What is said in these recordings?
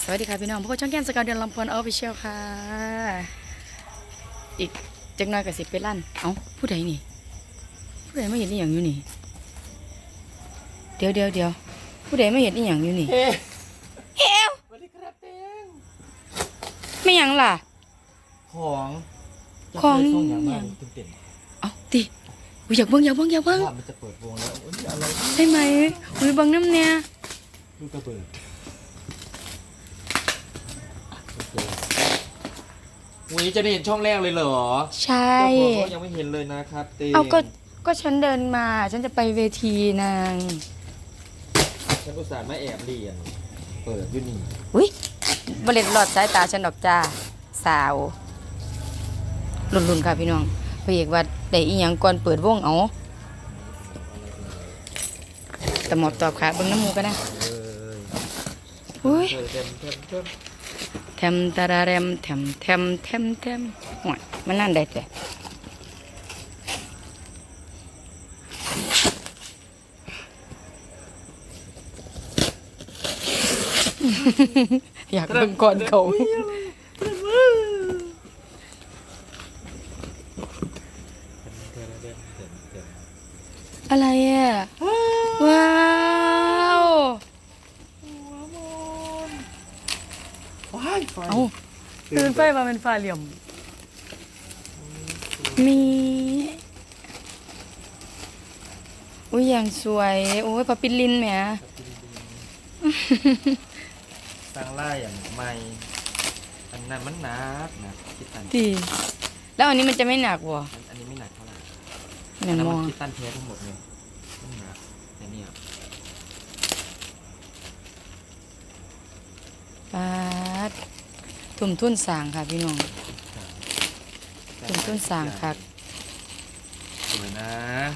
สวัสดีค่ะพี่น้องพวกช่องแก้มสกาวเดือนลำพวนออฟฟิเชียลค่ะอีกจักหน้อยกับสิไปลั่นเอ้าผู้ใดนี่ผู้ใดไม่เห็นอีหยังอยู่นี่เดี๋ยวผู้ใดไม่เห็นอีหยังอยู่นี่เฮ้วสวัสดีครับเต้งไม่หยังล่ะของของจะเปิดช่องอย่างมากตื่นเต้นเอ้าติอยากเบิ่งว่ามันจะเปิดวงแล้วอุ๊ยอะไรใช่ไหมอุ้ยเบิ่งน้ำเนี่ยลูกกระเบิดโอเควันนี้จะได้เห็นช่องแรกเลยเหรอใช่เจ้าของก็ยังไม่เห็นเลยนะครับเต้งเอาก็ฉันเดินมาฉันจะไปเวทีนางฉันอุตส่าห์มาแอบเรียนเปิดอยู่นี่อุ้ยบริเวณหลอดสายตาฉันดอกจ้าสาวลุ่นๆค่ะพี่น้องพระเอกว่าได้อีหยังก่อนเปิดวงเอาแต่หมอบตอบค่ะเบิ่งน้ำมูกันนะเลยอุ้ยเต็มแทมตาราแรมแทมหวยมันนั่นได้แต่อยากเบิ่งก่อนเขาอะไรอ่ะว้าวว้ายไฟเอ้าตื่นไฟมาเป็นฟ้าเหลี่ยมมีอุ้ยอย่างสวยโอ้ยพระปิดลินแหมสร้างไล่อย่างใหม่อันนั้นมันหนักนะคิดตันดีแล้วอันนี้มันจะไม่หนักวะอันนี้ไม่หนักเท่าไหร่หนังแล้วมมัอน งคิดตันเทสทั้งหมดเลยไม่หนักแต่เนี่ยปาดทุ่มทุนสร้างค่ะพี่น้องทุ่มทุนสร้างค่ะสวยนะ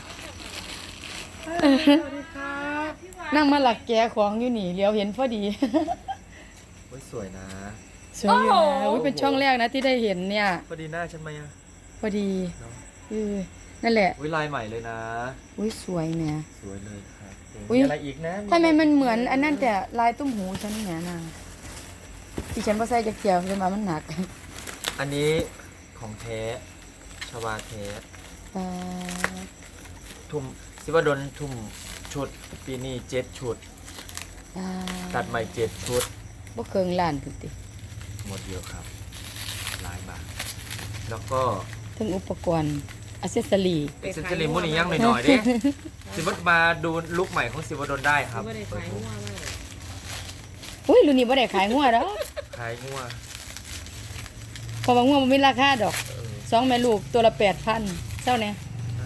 นั่งมาหลักแกของอยู่นี่เลี้ยวเห็นพอดีโอ้ยสวยนะสวยอยู่นะอุ้ยเป็นช่องแรกนะที่ได้เห็นเนี่ยพอดีหน้าฉันไหมอะพอดีเนาะนั่นแหละอุ้ยลายใหม่เลยนะอุ้ยสวยแหมสวยเลยครับอุ๊ยมีอะไรอีกนะทำไมมันเหมือนอันนั้นแต่ลายตุ้มหูฉันเนี่ยนางที่ฉันพอใส่จะเกี่ยวฉันมามันหนักอันนี้ของแท้ชวาแท้ปาดทุ่มสิวดลทุ่มชุดปีนี้7 ชุดปาตัดใหม่7 ชุดบ่เคิงล้านพุ่นติหมดเยอะครับหลายบาทแล้วก็ถึงอุปกรณ์อัซเซสซอรี่เอ็กเซนเจอรี่มุนี่ยังหน่อยๆดิสิวัดมาดูลุคใหม่ของสิวดลได้ครับไม่ได้ขายหัวมากเลยอุ้ยรุ่นนี้บ่ได้ขายงัวดอกขายงัวเพราะว่างัวบ่มีราคาดอกเออสองแม่ลูกตัวละ 8,000เจ้าเนี่ย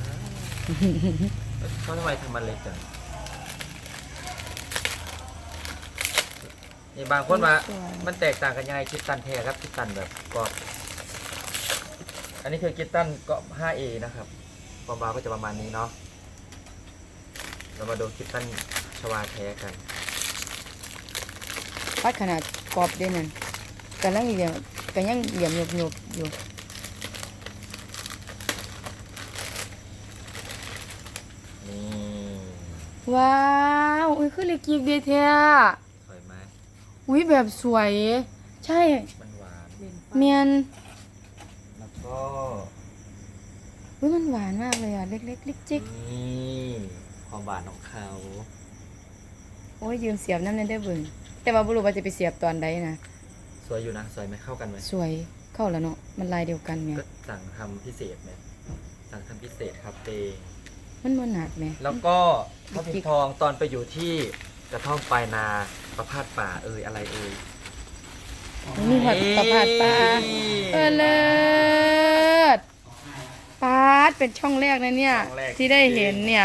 เขาทำไมทำมันเล็กจังนี่บางคนว่ามันแตกต่างกันยังไงคิดตันแท้ครับคิดตันแบบกรอบอันนี้คือคิดตันก็ 5A นะครับความบางก็จะประมาณนี้เนาะเรามาดูคิดตันชวาแท้กันพัดขนาดกรอบเด้นั่นกำลังเหลี่ยมก็ยังเหลี่ยมหยบๆอยู่นี่ว้าวอุ้ยคือเล็กยิกเดียแท้สวยไหมอุ้ยแบบสวย ใช่มันหวานเมียนแล้วก็อุ้ยมันหวานมากเลยอ่ะเล็กๆลิกจิกนี่ความหวานของเขาโอ้ยยืมเสียบน้ำนั่นได้เบิ่งแต่ว่าบ่รู้ว่าจะไปเสียบตอนใดนะสวยอยู่นะสวยไหมเข้ากันไหมสวยเข้าแล้วเนาะมันลายเดียวกันเนี่ยก็สั่งทำพิเศษไหมสั่งทำพิเศษครับเตงมันบ่หนักแหมแล้วก็พระพิมพ์ทองตอนไปอยู่ที่กระท่อมปลายนาประพาสป่าอะไรเอ่ยมีหอดประพาสปลาเลิศปาดเป็นช่องแรกนะเนี่ย ที่ได้เห็นเนี่ย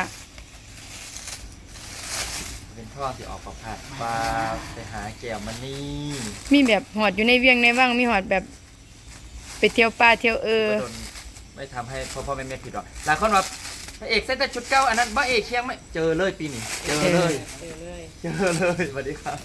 เป็นท่อที่ออกประพาสป่าไปหาแก้วมันนี่มีแบบหอดอยู่ในเวียงในว่างมีหอดแบบไปเที่ยวป่าเที่ยวก็โดนไม่ทำให้พ่อแม่ผิดหรอกหลายคนว่าพระเอกใส่แต่ชุดเก่าอันนั้นพระเอกเชียงไม่เจอเลยปีนี้เจอเลยเจอเลยเจอเลยสวัสดีครับ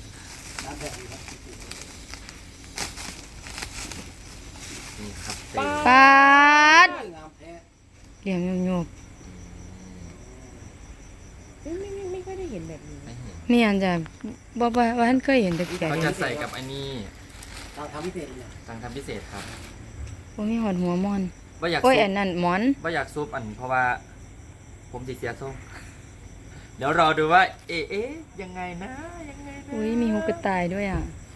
นี่ครับเต้ปาดเหลี่ยมโยบไม่ค่อยได้เห็นแบบนี้ไม่เห็นๆนี่อันจะบ่ว่าท่านเคยเห็นแต่แก่เขาจะใส่กับอันนี้เราทำพิเศษเลยสั่งทำพิเศษครับบ่มีหอดหัวมอนว่าอยากโอ้ยซุอัปนนั้นหมอนว่าอยากซุปอันเพราะว่า ผมสิเสียส้มเดี๋ยวรอดูว่า เอ๊ะยังไงนะยังไงนะอุ้ยมีหูกระต่ายด้วยอ่ะ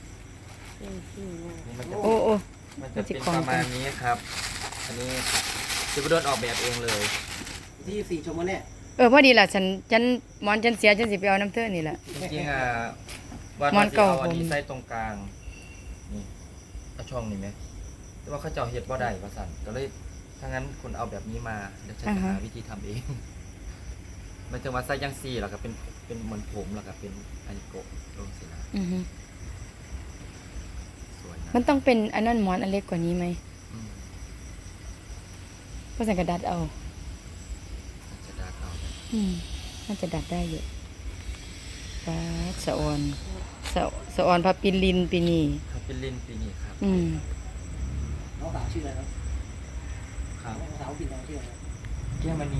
นี่มันจะโอ้โอ้มันจะเป็นประมาณนี้ครับ อันนี้จิบดนออกแบบเองเลยที่4ชั่วโมงเนี่ยพอดีล่ะฉันหมอนฉันเสียฉันสิไปเอาน้ำเธอนี่แหละจริงๆว่ามันเก่าเอาอันนี้ผมใส่ตรงกลางนี่เอาช่องนี่ไหมแต่ว่าเขาเจ้าเฮ็ดบ่ได้ว่าสั่นก็เลยถ้างั้นคุณเอาแบบนี้มาเดี๋ยวฉันจะหาวิธีทำเอง มันจะมาใส่ยังซี่แล้วก็เป็นเหมือนผมแล้วก็เป็นไอโกะลงสินะอือฮึสวยนะมันต้องเป็นอันนั้นหมอนอันเล็กกว่านี้ไหมอืมก็ใส่กระดาษเอามันจะได้เข้าน่าจะดัดได้อยู่ฟ้าสะออนสะออนพระปิลินปีนี้ครับเป็นลินปีนี้ครับน้องสาวชื่ออะไรครับครับน้องสาวปิ่นน้องชื่ออะไรครับแก้วมณี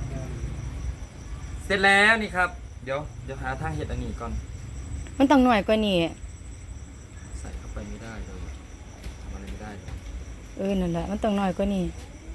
เสร็จแล้วนี่ครับ เดี๋ยวหาทางเห็ดอันนี้ก่อนมันต้องหน่อยกว่านี้ใส่เข้าไปไม่ได้เลยทำอะไรไม่ได้เลยนั่นแหละมันต้องหน่อยกว่านี้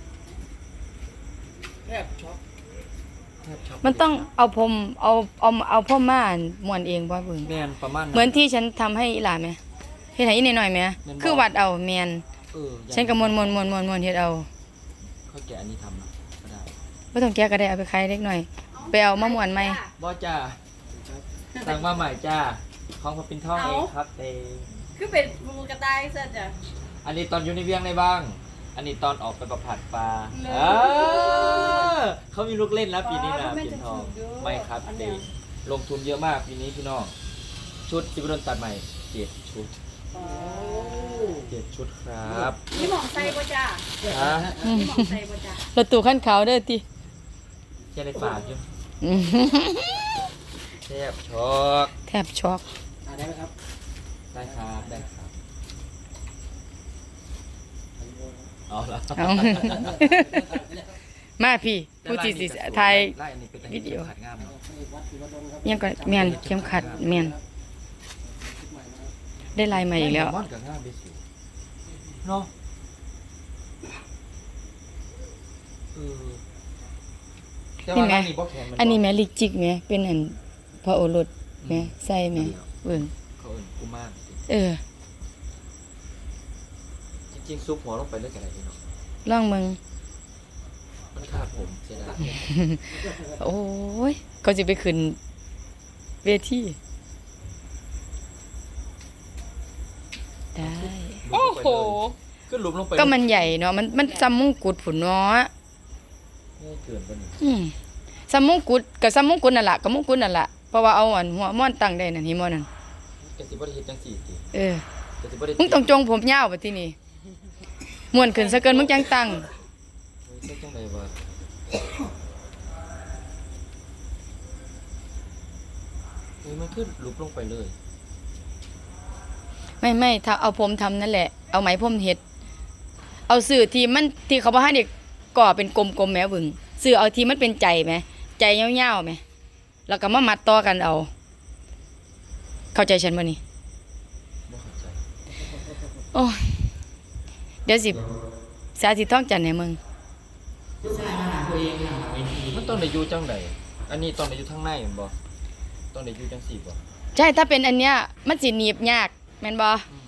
แทบช็อกแทบช็อกมันต้องเอาผมเอาพ่อม่านม้วนเองบ่เบิ่งแมนประมาณเหมือนที่ฉันทำให้อีหลาไหมเฮ็ดให้อีหน่อยๆไหมแม่นบ่คือวัดเอาแมนอย่างฉันก็ม้วนเฮ็ดเอาเขาแกะอันนี้ทำนะก็ได้บ่ต้องแก้ก็ได้เอาไปขายเล็กหน่อยไปเอามาม้วนใหม่บอจ้าสั่งมาใหม่จ้าของพอปินท่องเองครับเตงคือเป็นหมูกระต่ายซะจ้ะอันนี้ตอนอยู่ในเวียงในบ้าง อันนี้ตอนออกไปประผัดปลาเลยเขามีลูกเล่นแล้วปีนี้นะอ๋อปินทองไม่จะถูกด้วยไม่ครับอันเตเนี้ยงลงทุนเยอะมากปีนี้พี่น้อง ชุดจิบดนตัดใหม่7 ชุดโอ้ 7 ชุดครับนี่หมองใส่บ่จ้าฮะนี่หมองใส่บ่จ้ารถตู้คันขาวเด้อติจะได้ฝากอยู่อืมแทบช็อกแทบช็อกได้ไหมครับได้ครับได้ครับเอาละเอา มาพี่ผู้ที่สิไทยไล่อันนี้เป็นวิดีโอขัดงามเนาะวัดศรีวดลครับยังก็แม่นเข้มขัดแม่นได้ลายใหม่อีกแล้วม่อนกับงามไปสิเนาะเออแต่ว่าร้านนี้บ่แข็งมัอันนี้แม่ลิกจิกแม่เป็นอันพระโอรสแม่ใส่แม่เบิ่งเขาเอิ้นกุมาร จริงๆซุปหัวลงไปเลยกันอะไรเนาะลองมึงมันขาดผมเสียดายโอ้ยเขาสิไปขึ้นเวทีได้โอ้โหก็หลุมลงไปก็มันใหญ่เนาะมันซ้ำมงกุฎผุนเนาะง่ายเกินไปนี่ซ้ำมงกุฎกับซ้ำมงกุฎนั่นล่ะกับมงกุฎนั่นล่ะเพราะว่าเอาอันหัวม่อนตั้งได้นั่นหิมอนั่นกะสิบ่ได้เฮ็ดจังซี่ติ กะสิบ่ได้มึงต้องจงผมยาวบัดทีนี้ม่วนขึ้นซะเกินมึงจังตั้งเฮ้ยเฮ็ดจังไดวะเฮ้ยมันขึ้นหลุมลงไปเลยไม่ถ้าเอาผมทำนั่นแหละเอาไหมผมเฮ็ดเอาสื่อที่มันที่เขาบ่ให้เด็กก่อเป็นกลมๆแหมบึงสื่อเอาที่มันเป็นใจแหมใจยาวๆแหมแล้วก็มามัดต่อกันเอา เข้าใจฉันบ่นี่บ่เข้าใจโอ้ยเดี๋ยวสิสาธิตท่องจันทร์ให้มึงมันต้องได้อยู่จังไดอันนี้ต้องได้อยู่ทางในแม่นบ่ต้องได้อยู่จังซี่บ่ใช่ถ้าเป็นอันเนี้ยมันสิหนีบยากแม่นบ่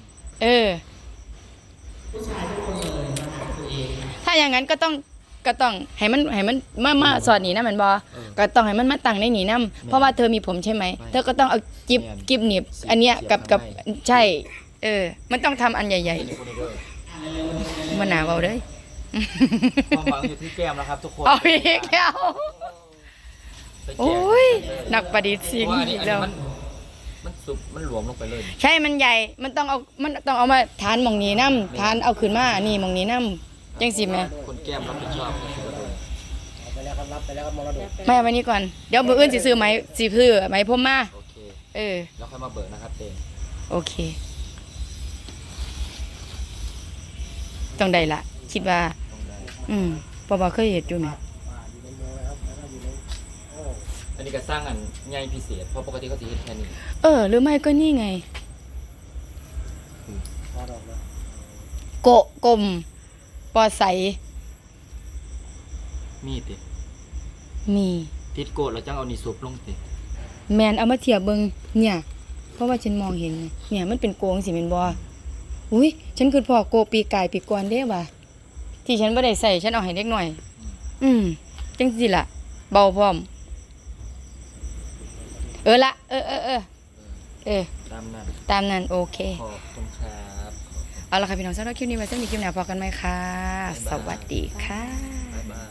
ถ้าอย่างนั้นก็ต้องให้มันมาสอดหนีนะแม่นบ่ก็ต้องให้มันมาตั้งในหนีนํเพราะว่าเธอมีผมใช่ไหมเธอก็ต้องเอากิบหนีบอันเนี้ยกับใช่มันต้องทำอันใหญ่นี่คนนี้เด้อๆบ่น่าเว้าเด้ยความหวังอยู่ที่แก้มแล้วครับทุกคนเอาอีกแล้วไปแจกโอ้ยนักประดิษฐ์สิ่งเพราะว่าอันนี้อีกแล้วมันสุกมันหลวมลงไปเลยใช่มันใหญ่มันต้องเอามาทานหม่องนี้นำทานเอาขึ้นมานี่หม่องนี้นำจังสิแม่คนแก้มรับผิดชอบก็คือว่าโดนเอาไปแล้วครับรับไปแล้วครับมรดกไม่เอาไว้นี่ก่อนเดี๋ยวมื้ออื่นสิซื้อไหมผมมาโอเคแล้วค่อยมาเบิกนะครับเตงโอเคต้องได้ละคิดว่าต้องได้เพราะว่าเคยเฮ็ดอยู่แม่อยู่ในเมืองนะครับแล้วก็อยู่ในโอ้นนี้ก็สร้างอันใหญ่พิเศษเพราะปกติเขาจะเฮ็ดแค่นี้หรือไม่ก็นี่ไงพอดอกนะโกะกลมปอใสมีติมีติดโกดแล้วจังเอานี่ซุปลงติแมนเอามาเทียบเบิงเนี่ย เพราะว่าฉันมองเห็นไงเนี่ยมันเป็นโกงสิแม่นบ่อุ้ยฉันคือพ่อโกปีกายปีก่อนเด้ว่ะที่ฉันบ่ได้ใส่ฉันเอาให้เด็กหน่อย จังสิล่ะ เบาพร้อม ละเออตามนั้นตามนั้นโอเคขอบคุณครับเอาละค่ะพี่น้องสำหรับคลิปนี้ไว้สำหรับคลิปหน้าพอกันไหมคะ สวัสดีค่ะบ๊ายบาย